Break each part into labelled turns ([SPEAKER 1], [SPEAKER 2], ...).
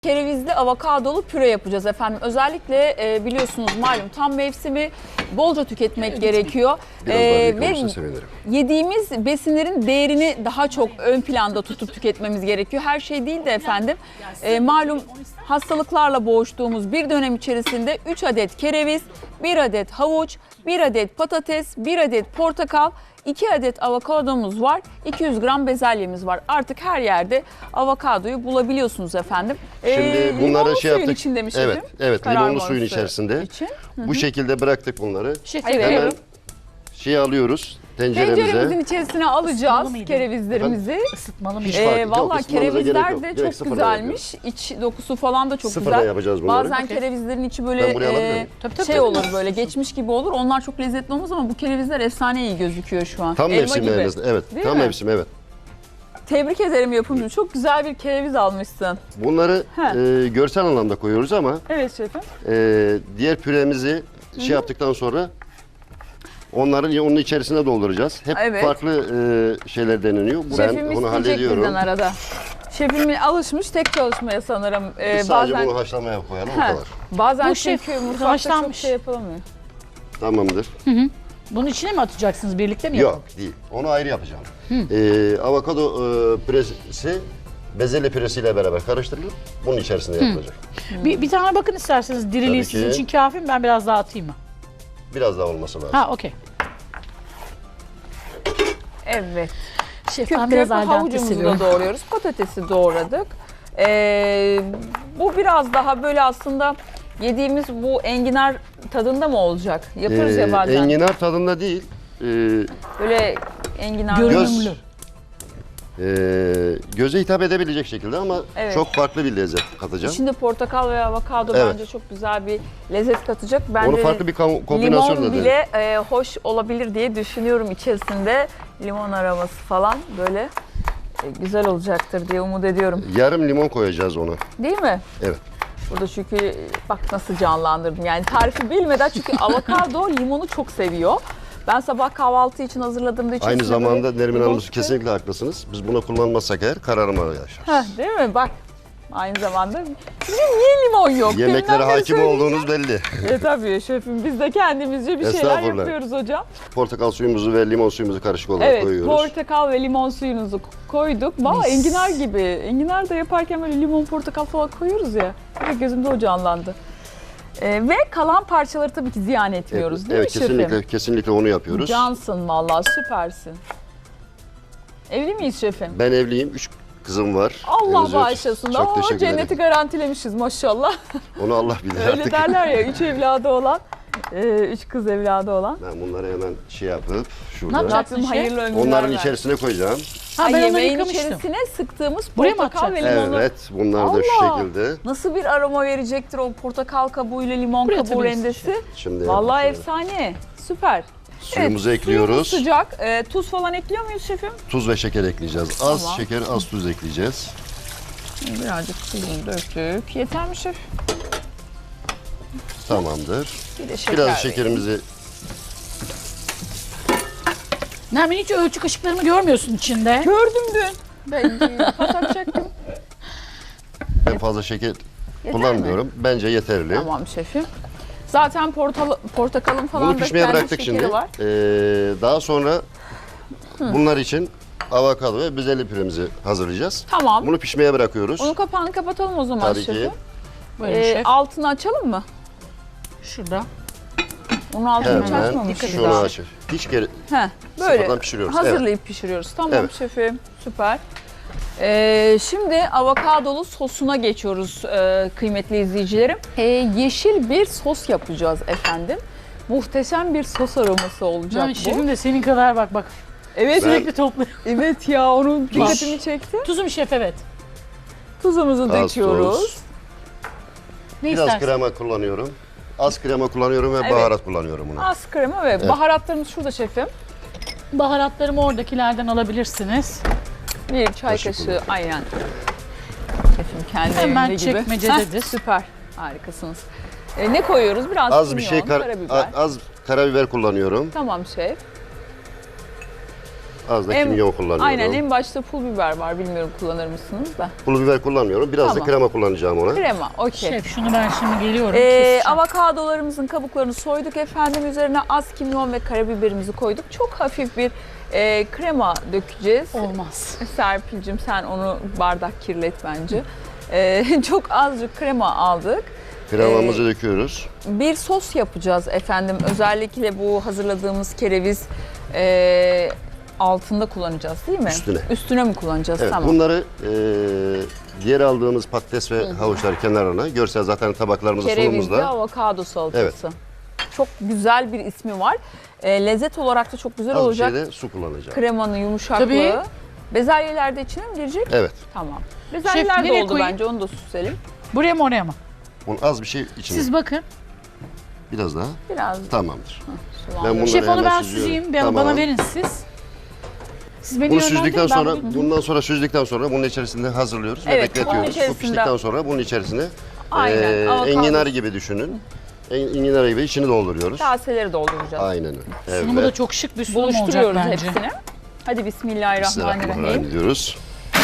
[SPEAKER 1] Kerevizli avokadolu püre yapacağız efendim. Özellikle biliyorsunuz malum tam mevsimi bolca tüketmek gerekiyor.
[SPEAKER 2] Ve sevinirim.
[SPEAKER 1] Yediğimiz besinlerin değerini daha çok ön planda tutup tüketmemiz gerekiyor. Her şey değil de efendim malum hastalıklarla boğuştuğumuz bir dönem içerisinde 3 adet kereviz, 1 adet havuç, 1 adet patates, 1 adet portakal, 2 adet avokadomuz var, 200 gram bezelyemiz var. Artık her yerde avokadoyu bulabiliyorsunuz efendim.
[SPEAKER 2] Şimdi bunları şey yaptık.
[SPEAKER 1] Içinde mi
[SPEAKER 2] evet, limonlu suyun içerisinde. Bu şekilde bıraktık bunları. Hemen alıyoruz
[SPEAKER 1] tenceremizin içerisine alacağız kerevizlerimizi.
[SPEAKER 3] Isıtmalı mıydı?
[SPEAKER 1] Vallahi kerevizler de çok güzelmiş. İç dokusu falan da çok güzel.
[SPEAKER 2] Yapacağız bunları.
[SPEAKER 1] Bazen kerevizlerin içi böyle şey olur, böyle geçmiş gibi olur. Onlar çok lezzetli olmaz ama bu kerevizler efsane iyi gözüküyor şu an.
[SPEAKER 2] Tam mevsimi evet.
[SPEAKER 1] Değil
[SPEAKER 2] tam
[SPEAKER 1] mi?
[SPEAKER 2] mevsimi evet.
[SPEAKER 1] Tebrik ederim yapımcı. Çok güzel bir kereviz almışsın.
[SPEAKER 2] Bunları görsel anlamda koyuyoruz ama
[SPEAKER 1] evet şefim.
[SPEAKER 2] Diğer püremizi yaptıktan sonra onun içerisine dolduracağız. Hep farklı şeyler deneniyor.
[SPEAKER 1] Şefim
[SPEAKER 2] bunu hallediyorum.
[SPEAKER 1] Bizden arada. Şefim alışmış tek çalışmaya sanırım.
[SPEAKER 2] Biz sadece bunu haşlamaya koyalım o kadar.
[SPEAKER 1] Bazen
[SPEAKER 3] Bu
[SPEAKER 1] çünkü mutfakta çok şey yapılamıyor.
[SPEAKER 2] Tamamdır.
[SPEAKER 3] Bunun içine mi atacaksınız? Birlikte mi
[SPEAKER 2] Yok değil. Onu ayrı yapacağım. Avokado püresi bezelye püresiyle beraber karıştırılıp bunun içerisinde yapılacak.
[SPEAKER 3] Bir tane bakın isterseniz diriliği sizin için kafi mi? Ben biraz daha atayım mı?
[SPEAKER 2] Biraz daha olması lazım.
[SPEAKER 3] Ha okey.
[SPEAKER 1] Evet.
[SPEAKER 3] Şef ben biraz
[SPEAKER 1] havucumuzu da doğruyoruz. Patatesi doğradık. Bu biraz daha böyle aslında yediğimiz bu enginar tadında mı olacak? Yaparız ya bazen.
[SPEAKER 2] Enginar tadında değil.
[SPEAKER 1] Böyle enginar
[SPEAKER 3] görünümlü.
[SPEAKER 2] Göze hitap edebilecek şekilde ama çok farklı bir lezzet katacağım.
[SPEAKER 1] İçinde portakal ve avokado bence çok güzel bir lezzet katacak. Bence
[SPEAKER 2] onu farklı bir kombinasyon
[SPEAKER 1] limon bile hoş olabilir diye düşünüyorum içerisinde. Limon aroması falan böyle güzel olacaktır diye umut ediyorum.
[SPEAKER 2] Yarım limon koyacağız ona.
[SPEAKER 1] Değil mi?
[SPEAKER 2] Evet.
[SPEAKER 1] Burada çünkü bak nasıl canlandırdım yani tarifi bilmeden çünkü avokado limonu çok seviyor. Ben sabah kahvaltı için hazırladığımda içerisinde
[SPEAKER 2] aynı zamanda Nermin Hanım kesinlikle haklısınız. Biz bunu kullanmazsak eğer kararma yaşarız.
[SPEAKER 1] Değil mi? Bak aynı zamanda sizin niye limon yok?
[SPEAKER 2] Yemeklere hakim olduğunuz belli.
[SPEAKER 1] Tabii şefim biz de kendimizce bir şeyler yapıyoruz hocam.
[SPEAKER 2] Portakal suyumuzu ve limon suyumuzu karışık olarak koyuyoruz. Evet,
[SPEAKER 1] portakal ve limon suyunuzu koyduk. Valla enginar gibi. Enginar da yaparken böyle limon, portakal falan koyuyoruz ya. Direkt gözümde o canlandı. Ve kalan parçaları tabii ki ziyan etmiyoruz değil mi şefim?
[SPEAKER 2] Kesinlikle onu yapıyoruz.
[SPEAKER 1] Cansın vallahi süpersin. Evli miyiz şefim?
[SPEAKER 2] Ben evliyim. 3 kızım var.
[SPEAKER 1] Allah bağışlasın.
[SPEAKER 2] Çok teşekkür ederim.
[SPEAKER 1] Cenneti garantilemişiz maşallah.
[SPEAKER 2] Onu Allah bilir artık.
[SPEAKER 1] Öyle derler ya 3 evladı olan, 3 kız evladı olan.
[SPEAKER 2] Ben bunları hemen yapıp şurada.
[SPEAKER 3] Ne yapacaksın
[SPEAKER 1] hayırlı ömürler
[SPEAKER 2] onların içerisine koyacağım.
[SPEAKER 1] Yemeğin içerisine sıktığımız portakal ve limonu.
[SPEAKER 2] Evet, bunlar da şu şekilde.
[SPEAKER 1] Nasıl bir aroma verecektir o portakal kabuğuyla limon kabuğu rendesi.
[SPEAKER 2] Şimdi
[SPEAKER 1] vallahi efsane, süper.
[SPEAKER 2] Suyumuzu ekliyoruz.
[SPEAKER 1] Suyumuz sıcak. Tuz falan ekliyor muyuz şefim?
[SPEAKER 2] Tuz ve şeker ekleyeceğiz. Az şeker, az tuz ekleyeceğiz.
[SPEAKER 1] Birazcık tuzunu döktük. Yeter mi şef?
[SPEAKER 2] Tamamdır.
[SPEAKER 1] Bir de şeker
[SPEAKER 2] biraz şekerimizi...
[SPEAKER 3] Nermin hiç ölçü kaşıklarımı görmüyorsun içinde.
[SPEAKER 1] Gördüm dün. Ben patatacaktım.
[SPEAKER 2] Ben fazla şeker kullanmıyorum. Bence yeterli.
[SPEAKER 1] Tamam şefim. Zaten portakalın falan
[SPEAKER 2] bunu pişmeye bıraktık şimdi.
[SPEAKER 1] Var.
[SPEAKER 2] Daha sonra bunlar için avokado ve bezelye püremizi hazırlayacağız.
[SPEAKER 1] Tamam.
[SPEAKER 2] Bunu pişmeye bırakıyoruz.
[SPEAKER 1] Onun kapağını kapatalım o zaman
[SPEAKER 2] Tabii
[SPEAKER 1] şefim.
[SPEAKER 2] ki.
[SPEAKER 3] Buyurun şef.
[SPEAKER 1] Altını açalım mı?
[SPEAKER 3] Şurada.
[SPEAKER 1] Onun altını hiç
[SPEAKER 2] Hemen
[SPEAKER 1] açmamışız
[SPEAKER 2] şunu
[SPEAKER 1] daha.
[SPEAKER 2] açır. Hiç böyle
[SPEAKER 1] sıfırdan
[SPEAKER 2] pişiriyoruz.
[SPEAKER 1] Hazırlayıp pişiriyoruz. Tamam şefim. Süper. Şimdi avokadolu sosuna geçiyoruz kıymetli izleyicilerim. Yeşil bir sos yapacağız efendim. Muhteşem bir sos aroması olacak bu.
[SPEAKER 3] Şefim de senin kadar bak.
[SPEAKER 1] Evet.
[SPEAKER 3] Sürekli topluyor.
[SPEAKER 1] Evet ya onun dikkatimi çekti.
[SPEAKER 3] Tuzum şef evet.
[SPEAKER 1] Tuzumuzu döküyoruz.
[SPEAKER 2] Biraz krema kullanıyorum. Az krema kullanıyorum ve baharat kullanıyorum bunu.
[SPEAKER 1] Az krema ve baharatlarımız şurada şefim.
[SPEAKER 3] Baharatlarımı oradakilerden alabilirsiniz.
[SPEAKER 1] Bir çay kaşığı aynen. Şefim kendi
[SPEAKER 3] hemen
[SPEAKER 1] evinde gibi.
[SPEAKER 3] çekmecededir.
[SPEAKER 1] Süper. Harikasınız. Ne koyuyoruz? Biraz
[SPEAKER 2] az
[SPEAKER 1] kimyon,
[SPEAKER 2] bir şey
[SPEAKER 1] karabiber.
[SPEAKER 2] az karabiber kullanıyorum.
[SPEAKER 1] Tamam şef.
[SPEAKER 2] Az da kimyon kullanıyorum.
[SPEAKER 1] Aynen, en başta pul biber var. Bilmiyorum kullanır mısınız da.
[SPEAKER 2] Pul biber kullanmıyorum. Biraz
[SPEAKER 1] Tamam.
[SPEAKER 2] da krema kullanacağım ona.
[SPEAKER 1] Krema, okey.
[SPEAKER 3] Şef şunu ben şimdi geliyorum. keseceğim.
[SPEAKER 1] Avokadolarımızın kabuklarını soyduk efendim. Üzerine az kimyon ve karabiberimizi koyduk. Çok hafif bir krema dökeceğiz.
[SPEAKER 3] Olmaz.
[SPEAKER 1] Serpil'cim sen onu bardak kirlet bence. Çok azıcık krema aldık.
[SPEAKER 2] Kremamızı döküyoruz.
[SPEAKER 1] Bir sos yapacağız efendim. Özellikle bu hazırladığımız kereviz altında kullanacağız değil mi?
[SPEAKER 2] Üstüne.
[SPEAKER 1] Üstüne mi kullanacağız?
[SPEAKER 2] Evet,
[SPEAKER 1] Tamam.
[SPEAKER 2] bunları diğer aldığımız patates ve havuçları kenarına. Görsel zaten tabaklarımızda,
[SPEAKER 1] Kerevizli
[SPEAKER 2] sunumumuzda.
[SPEAKER 1] avokado salatası. Çok güzel bir ismi var. Lezzet olarak da çok güzel
[SPEAKER 2] Az bir
[SPEAKER 1] olacak.
[SPEAKER 2] şeyde su kullanacağım.
[SPEAKER 1] Kremanın yumuşaklığı.
[SPEAKER 3] Tabii.
[SPEAKER 1] Bezelyeler de içine mi girecek?
[SPEAKER 2] Evet.
[SPEAKER 1] Tamam. Bezelyeler de
[SPEAKER 3] nereye
[SPEAKER 1] oldu
[SPEAKER 3] koyayım?
[SPEAKER 1] bence, onu da süselim.
[SPEAKER 3] Buraya mı oraya mı?
[SPEAKER 2] Bunu az bir şey içine.
[SPEAKER 3] Siz bakın.
[SPEAKER 2] Biraz daha.
[SPEAKER 1] Biraz
[SPEAKER 2] Tamamdır.
[SPEAKER 1] sulandıralım.
[SPEAKER 2] Ben bunları
[SPEAKER 3] Şef onu
[SPEAKER 2] hemen
[SPEAKER 3] ben
[SPEAKER 2] süzüyorum.
[SPEAKER 3] süzeyim.
[SPEAKER 2] Tamam.
[SPEAKER 3] Bana verin siz. Siz beni
[SPEAKER 2] Bunu
[SPEAKER 3] yönlendirin,
[SPEAKER 2] süzdükten
[SPEAKER 3] ben
[SPEAKER 2] sonra,
[SPEAKER 3] bunu-
[SPEAKER 2] bundan sonra süzdükten sonra bunun içerisinde hazırlıyoruz ve
[SPEAKER 1] Evet,
[SPEAKER 2] bekletiyoruz.
[SPEAKER 1] bunun
[SPEAKER 2] Bu
[SPEAKER 1] içerisinde-
[SPEAKER 2] piştikten sonra bunun içerisine
[SPEAKER 1] Aynen, avokado.
[SPEAKER 2] enginar gibi düşünün. Enginar gibi içini dolduruyoruz.
[SPEAKER 1] Kaseleri dolduracağız.
[SPEAKER 2] Aynen öyle.
[SPEAKER 3] Sunumu da
[SPEAKER 2] Evet.
[SPEAKER 3] çok şık bir sunum olacak
[SPEAKER 1] Buluşturuyoruz
[SPEAKER 3] bence.
[SPEAKER 1] hepsini. Hadi bismillahirrahmanirrahim.
[SPEAKER 2] Bismillahirrahmanirrahim diyoruz.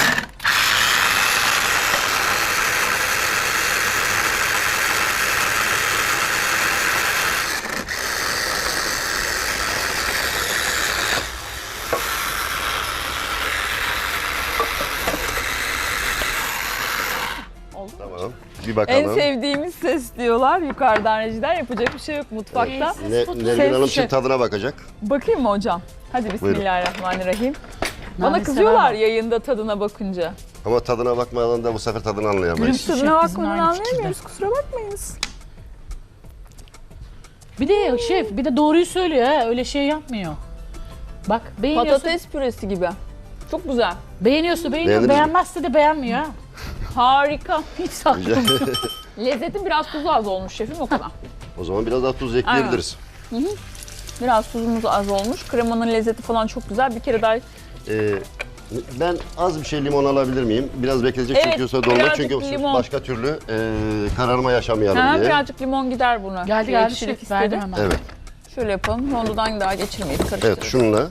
[SPEAKER 2] Tamam. Bir
[SPEAKER 1] En
[SPEAKER 2] bakalım.
[SPEAKER 1] sevdiğimiz ses diyorlar yukarıdan rejiden. Yapacak bir şey yok mutfakta.
[SPEAKER 2] Nermin Hanım
[SPEAKER 1] Ses-
[SPEAKER 2] şimdi tadına bakacak.
[SPEAKER 1] Bakayım mı hocam? Hadi bismillahirrahmanirrahim. Bana
[SPEAKER 3] Nane
[SPEAKER 1] kızıyorlar
[SPEAKER 3] sever
[SPEAKER 1] yayında tadına bakınca.
[SPEAKER 2] Ama tadına bakmadan da bu sefer tadını anlayamayız.
[SPEAKER 3] Bizim
[SPEAKER 1] Tadına
[SPEAKER 3] şef bizimle
[SPEAKER 1] bakmadan
[SPEAKER 3] aynı fikirde.
[SPEAKER 1] anlayamıyoruz, kusura bakmayınız.
[SPEAKER 3] Bir de şef bir de doğruyu söylüyor ha. Öyle şey yapmıyor. Bak beğeniyorsun.
[SPEAKER 1] Patates püresi gibi. Çok güzel.
[SPEAKER 3] Beğeniyorsa beğeniyor.
[SPEAKER 2] Beğendiniz mi?
[SPEAKER 3] Beğenmezse de beğenmiyor ha.
[SPEAKER 1] Harika.
[SPEAKER 3] Hiç saklamıyor.
[SPEAKER 1] Lezzetin biraz tuzu az olmuş şefim, o kadar.
[SPEAKER 2] O zaman biraz daha tuz ekleyebiliriz.
[SPEAKER 1] Biraz tuzumuz az olmuş. Kremanın lezzeti falan çok güzel. Bir kere daha
[SPEAKER 2] Ben az bir şey limon alabilir miyim? Biraz bekletecek
[SPEAKER 1] Evet,
[SPEAKER 2] çünkü yoksa dolma
[SPEAKER 1] birazcık
[SPEAKER 2] çünkü
[SPEAKER 1] limon.
[SPEAKER 2] başka türlü kararma yaşamayalım
[SPEAKER 1] ha,
[SPEAKER 2] diye.
[SPEAKER 1] birazcık limon gider buna.
[SPEAKER 3] Geldi
[SPEAKER 1] Bir
[SPEAKER 3] geldi
[SPEAKER 1] ekşilik
[SPEAKER 3] şef. Verdim
[SPEAKER 1] istedi.
[SPEAKER 3] hemen.
[SPEAKER 2] Evet.
[SPEAKER 1] Şöyle yapalım. Rondodan daha geçirmeyiz. Karıştırırız.
[SPEAKER 2] Evet, şununla.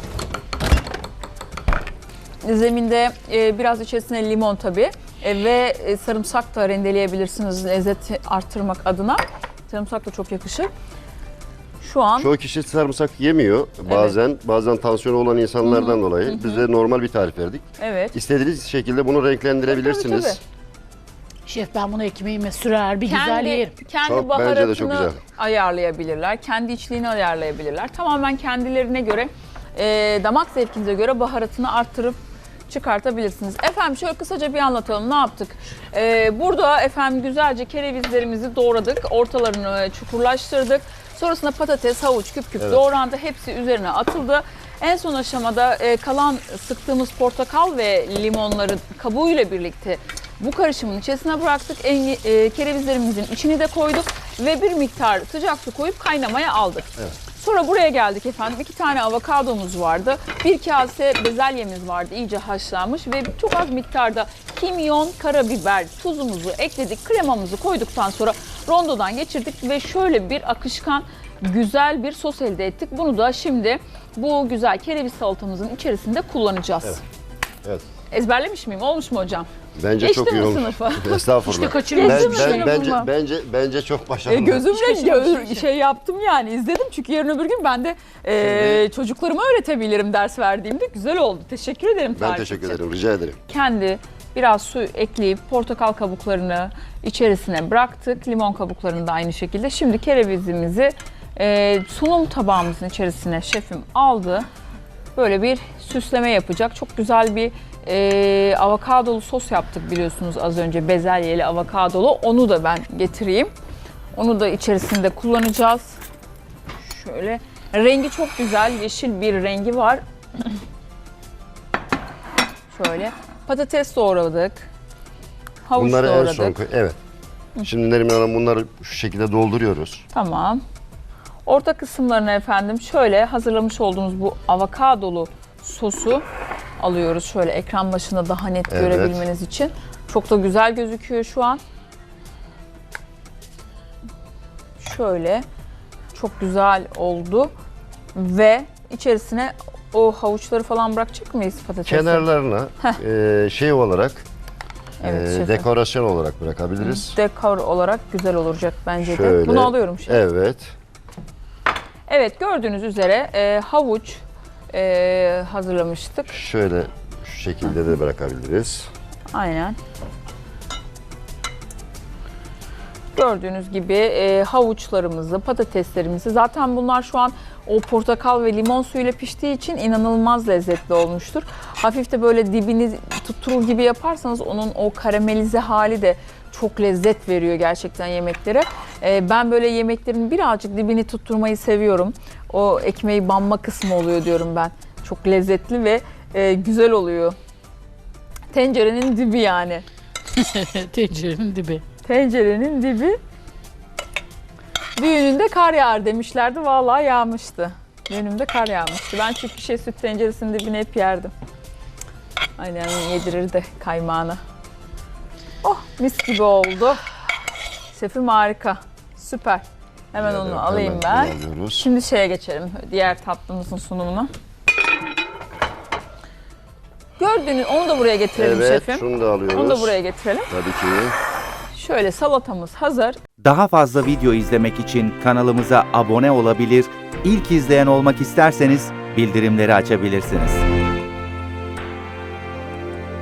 [SPEAKER 1] Zeminde biraz içerisine limon tabii ve sarımsak da rendeleyebilirsiniz lezzeti arttırmak adına. Sarımsak da çok yakışır. Şu an
[SPEAKER 2] Çoğu kişi sarımsak yemiyor bazen tansiyonu olan insanlardan dolayı. Biz de normal bir tarif verdik.
[SPEAKER 1] evet.
[SPEAKER 2] İstediğiniz şekilde bunu renklendirebilirsiniz.
[SPEAKER 1] Tabii,
[SPEAKER 3] Şef ben bunu ekmeğime sürer bir güzel yerim.
[SPEAKER 1] Kendi
[SPEAKER 2] Çok,
[SPEAKER 1] baharatını
[SPEAKER 2] bence de çok güzel.
[SPEAKER 1] ayarlayabilirler. Kendi içliğini ayarlayabilirler. Tamamen kendilerine göre, damak zevkinize göre baharatını arttırıp çıkartabilirsiniz. Efendim şöyle kısaca bir anlatalım. Ne yaptık? Burada efendim güzelce kerevizlerimizi doğradık. Ortalarını çukurlaştırdık. Sonrasında patates, havuç küp küp doğrandı. Hepsi üzerine atıldı. En son aşamada kalan sıktığımız portakal ve limonların kabuğuyla birlikte bu karışımın içerisine bıraktık. Kerevizlerimizin içini de koyduk ve bir miktar sıcak su koyup kaynamaya aldık.
[SPEAKER 2] Evet.
[SPEAKER 1] Sonra buraya geldik efendim. 2 tane avokadomuz vardı. 1 kase bezelyemiz vardı iyice haşlanmış ve çok az miktarda kimyon, karabiber, tuzumuzu ekledik. Kremamızı koyduktan sonra rondodan geçirdik ve şöyle bir akışkan güzel bir sos elde ettik. Bunu da şimdi bu güzel kereviz salatamızın içerisinde kullanacağız.
[SPEAKER 2] Evet. Evet.
[SPEAKER 1] Ezberlemiş miyim? Olmuş mu hocam?
[SPEAKER 2] Bence
[SPEAKER 1] Geçti
[SPEAKER 2] çok iyi
[SPEAKER 1] mi
[SPEAKER 2] olmuş.
[SPEAKER 1] sınıfı?
[SPEAKER 2] Estağfurullah.
[SPEAKER 3] İşte kaçırmışsın
[SPEAKER 2] Bence çok başarılı.
[SPEAKER 1] Gözümle şey yaptım yani izledim çünkü yarın öbür gün ben de çocuklarıma öğretebilirim ders verdiğimde. Güzel oldu. Teşekkür ederim
[SPEAKER 2] Ben
[SPEAKER 1] tarif
[SPEAKER 2] teşekkür
[SPEAKER 1] için.
[SPEAKER 2] ederim. Rica ederim.
[SPEAKER 1] Kendi biraz su ekleyip portakal kabuklarını içerisine bıraktık. Limon kabuklarını da aynı şekilde. Şimdi kerevizimizi sunum tabağımızın içerisine şefim aldı. Böyle bir süsleme yapacak. Çok güzel bir avokadolu sos yaptık biliyorsunuz az önce. Bezelyeli avokadolu. Onu da ben getireyim. Onu da içerisinde kullanacağız. Şöyle. Rengi çok güzel. Yeşil bir rengi var. Şöyle. Patates doğradık. Havuç
[SPEAKER 2] Bunları en
[SPEAKER 1] doğradık.
[SPEAKER 2] son koy. Evet. Şimdi Neriman Hanım bunları şu şekilde dolduruyoruz.
[SPEAKER 1] Tamam. Orta kısımlarına efendim şöyle hazırlamış olduğumuz bu avokadolu sosu alıyoruz. Şöyle ekran başında daha net
[SPEAKER 2] Evet.
[SPEAKER 1] görebilmeniz için. Çok da güzel gözüküyor şu an. Şöyle çok güzel oldu ve içerisine o havuçları falan bırakacak mıyız patatesleri?
[SPEAKER 2] Kenarlarına şey olarak
[SPEAKER 1] Evet, şefim.
[SPEAKER 2] dekorasyon olarak bırakabiliriz.
[SPEAKER 1] Dekor olarak güzel olacak bence de.
[SPEAKER 2] Şöyle.
[SPEAKER 1] Bunu alıyorum şef.
[SPEAKER 2] Evet.
[SPEAKER 1] Evet, gördüğünüz üzere havuç hazırlamıştık.
[SPEAKER 2] Şöyle şu şekilde de bırakabiliriz.
[SPEAKER 1] Aynen. Gördüğünüz gibi havuçlarımızı, patateslerimizi, zaten bunlar şu an o portakal ve limon suyuyla piştiği için inanılmaz lezzetli olmuştur. Hafif de böyle dibini tutturur gibi yaparsanız onun o karamelize hali de çok lezzet veriyor gerçekten yemeklere. Ben böyle yemeklerin birazcık dibini tutturmayı seviyorum. O ekmeği banma kısmı oluyor diyorum ben. Çok lezzetli ve güzel oluyor. Tencerenin dibi yani.
[SPEAKER 3] Tencerenin dibi.
[SPEAKER 1] Tencerenin dibi. Düğününde kar yağar demişlerdi. Vallahi yağmıştı. Düğünümde kar yağmıştı. Ben çünkü süt tenceresinin dibini hep yerdim. Aynen yedirirdi kaymağını. Oh, mis gibi oldu. Şefim harika. Süper. Hemen
[SPEAKER 2] Evet,
[SPEAKER 1] onu alayım
[SPEAKER 2] hemen
[SPEAKER 1] ben.
[SPEAKER 2] bunu alıyoruz.
[SPEAKER 1] Şimdi şeye geçelim. Diğer tatlımızın sunumuna. Gördüğünüz, onu da buraya getirelim
[SPEAKER 2] Evet,
[SPEAKER 1] şefim.
[SPEAKER 2] şunu da alıyoruz.
[SPEAKER 1] Onu da buraya getirelim.
[SPEAKER 2] Tabii ki.
[SPEAKER 1] Şöyle salatamız hazır.
[SPEAKER 4] Daha fazla video izlemek için kanalımıza abone olabilir, ilk izleyen olmak isterseniz bildirimleri açabilirsiniz.